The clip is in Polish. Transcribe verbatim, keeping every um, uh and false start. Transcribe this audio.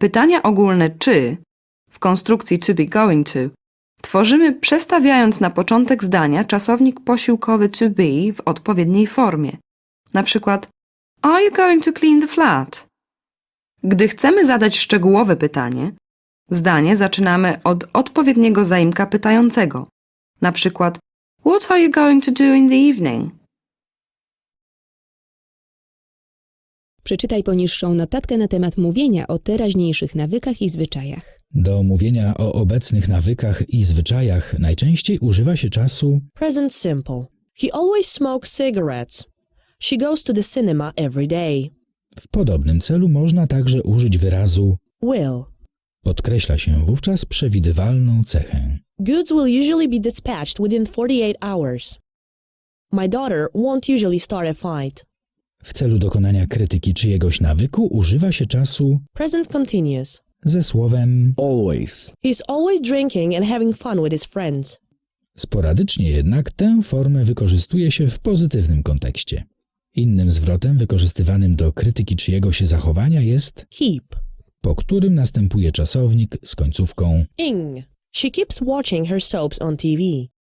Pytania ogólne czy w konstrukcji to be going to tworzymy przestawiając na początek zdania czasownik posiłkowy to be w odpowiedniej formie. Na przykład Are you going to clean the flat? Gdy chcemy zadać szczegółowe pytanie, zdanie zaczynamy od odpowiedniego zaimka pytającego. Na przykład What are you going to do in the evening? Przeczytaj poniższą notatkę na temat mówienia o teraźniejszych nawykach i zwyczajach. Do mówienia o obecnych nawykach i zwyczajach najczęściej używa się czasu Present simple. He always smokes cigarettes. She goes to the cinema every day. w podobnym celu można także użyć wyrazu Will. podkreśla się wówczas przewidywalną cechę. Goods will usually be dispatched within forty-eight hours. My daughter won't usually start a fight. W celu dokonania krytyki czyjegoś nawyku używa się czasu Present continuous. ze słowem always, He's always drinking and having fun with his friends. sporadycznie jednak tę formę wykorzystuje się w pozytywnym kontekście. Innym zwrotem wykorzystywanym do krytyki czyjegoś zachowania jest Keep. po którym następuje czasownik z końcówką Ing. She keeps watching her soaps on T V.